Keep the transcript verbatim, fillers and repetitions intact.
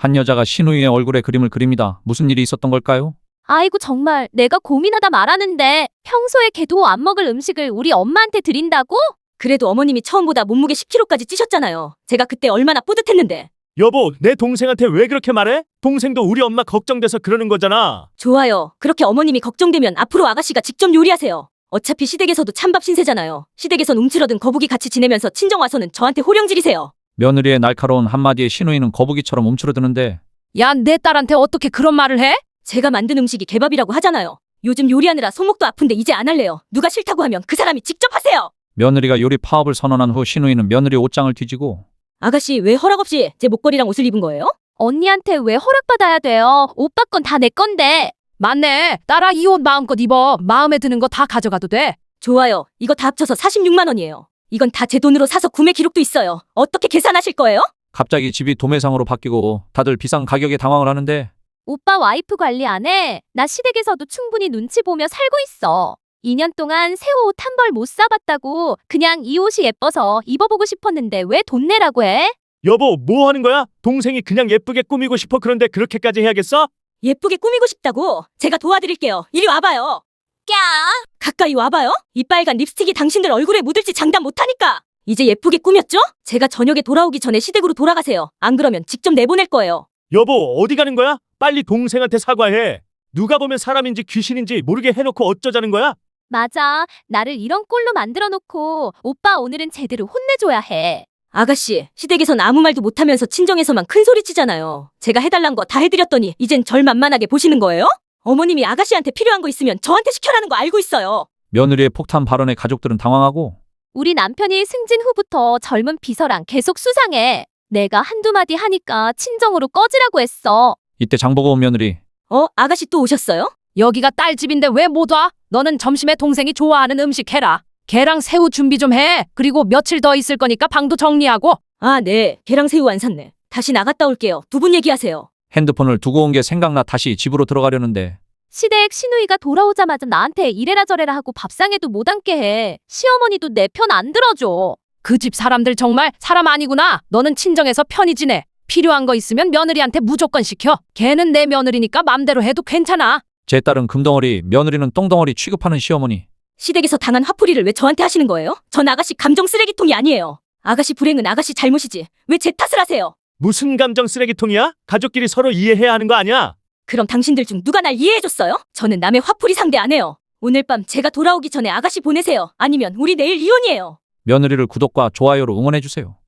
한 여자가 신우이의 얼굴에 그림을 그립니다. 무슨 일이 있었던 걸까요? 아이고 정말 내가 고민하다 말하는데 평소에 걔도 안 먹을 음식을 우리 엄마한테 드린다고? 그래도 어머님이 처음보다 몸무게 십 킬로그램까지 찌셨잖아요. 제가 그때 얼마나 뿌듯했는데. 여보, 내 동생한테 왜 그렇게 말해? 동생도 우리 엄마 걱정돼서 그러는 거잖아. 좋아요. 그렇게 어머님이 걱정되면 앞으로 아가씨가 직접 요리하세요. 어차피 시댁에서도 찬밥 신세잖아요. 시댁에선 움츠러든 거북이 같이 지내면서 친정 와서는 저한테 호령질이세요. 며느리의 날카로운 한마디에 신우이는 거북이처럼 움츠러드는데 야, 내 딸한테 어떻게 그런 말을 해? 제가 만든 음식이 개밥이라고 하잖아요. 요즘 요리하느라 손목도 아픈데 이제 안 할래요. 누가 싫다고 하면 그 사람이 직접 하세요. 며느리가 요리 파업을 선언한 후 신우이는 며느리 옷장을 뒤지고 아가씨 왜 허락 없이 제 목걸이랑 옷을 입은 거예요? 언니한테 왜 허락받아야 돼요? 오빠 건 다 내 건데. 맞네. 딸아, 이 옷 마음껏 입어. 마음에 드는 거 다 가져가도 돼. 좋아요. 이거 다 합쳐서 사십육만 원이에요. 이건 다 제 돈으로 사서 구매 기록도 있어요. 어떻게 계산하실 거예요? 갑자기 집이 도매상으로 바뀌고 다들 비싼 가격에 당황을 하는데 오빠 와이프 관리 안 해? 나 시댁에서도 충분히 눈치 보며 살고 있어. 이 년 동안 새 옷 한 벌 못 사봤다고 그냥 이 옷이 예뻐서 입어보고 싶었는데 왜 돈 내라고 해? 여보, 뭐 하는 거야? 동생이 그냥 예쁘게 꾸미고 싶어 그런데 그렇게까지 해야겠어? 예쁘게 꾸미고 싶다고? 제가 도와드릴게요. 이리 와봐요. 꺄! 가까이 와봐요. 이 빨간 립스틱이 당신들 얼굴에 묻을지 장담 못하니까. 이제 예쁘게 꾸몄죠? 제가 저녁에 돌아오기 전에 시댁으로 돌아가세요. 안 그러면 직접 내보낼 거예요. 여보, 어디 가는 거야? 빨리 동생한테 사과해. 누가 보면 사람인지 귀신인지 모르게 해놓고 어쩌자는 거야? 맞아. 나를 이런 꼴로 만들어 놓고 오빠 오늘은 제대로 혼내줘야 해. 아가씨, 시댁에선 아무 말도 못하면서 친정에서만 큰 소리 치잖아요. 제가 해달란 거 다 해드렸더니 이젠 절 만만하게 보시는 거예요? 어머님이 아가씨한테 필요한 거 있으면 저한테 시켜라는 거 알고 있어요. 며느리의 폭탄 발언에 가족들은 당황하고 우리 남편이 승진 후부터 젊은 비서랑 계속 수상해. 내가 한두 마디 하니까 친정으로 꺼지라고 했어. 이때 장보고 온 며느리 어? 아가씨 또 오셨어요? 여기가 딸 집인데 왜 못 와? 너는 점심에 동생이 좋아하는 음식 해라. 걔랑 새우 준비 좀 해. 그리고 며칠 더 있을 거니까 방도 정리하고. 아, 네. 걔랑 새우 안 샀네. 다시 나갔다 올게요. 두 분 얘기하세요. 핸드폰을 두고 온 게 생각나 다시 집으로 들어가려는데 시댁 신우이가 돌아오자마자 나한테 이래라 저래라 하고 밥상에도 못 앉게 해. 시어머니도 내 편 안 들어줘. 그 집 사람들 정말 사람 아니구나. 너는 친정에서 편히 지내. 필요한 거 있으면 며느리한테 무조건 시켜. 걔는 내 며느리니까 맘대로 해도 괜찮아. 제 딸은 금덩어리, 며느리는 똥덩어리 취급하는 시어머니. 시댁에서 당한 화풀이를 왜 저한테 하시는 거예요? 전 아가씨 감정 쓰레기통이 아니에요. 아가씨 불행은 아가씨 잘못이지. 왜 제 탓을 하세요? 무슨 감정 쓰레기통이야? 가족끼리 서로 이해해야 하는 거 아니야? 그럼 당신들 중 누가 날 이해해줬어요? 저는 남의 화풀이 상대 안 해요. 오늘 밤 제가 돌아오기 전에 아가씨 보내세요. 아니면 우리 내일 이혼이에요. 며느리를 구독과 좋아요로 응원해주세요.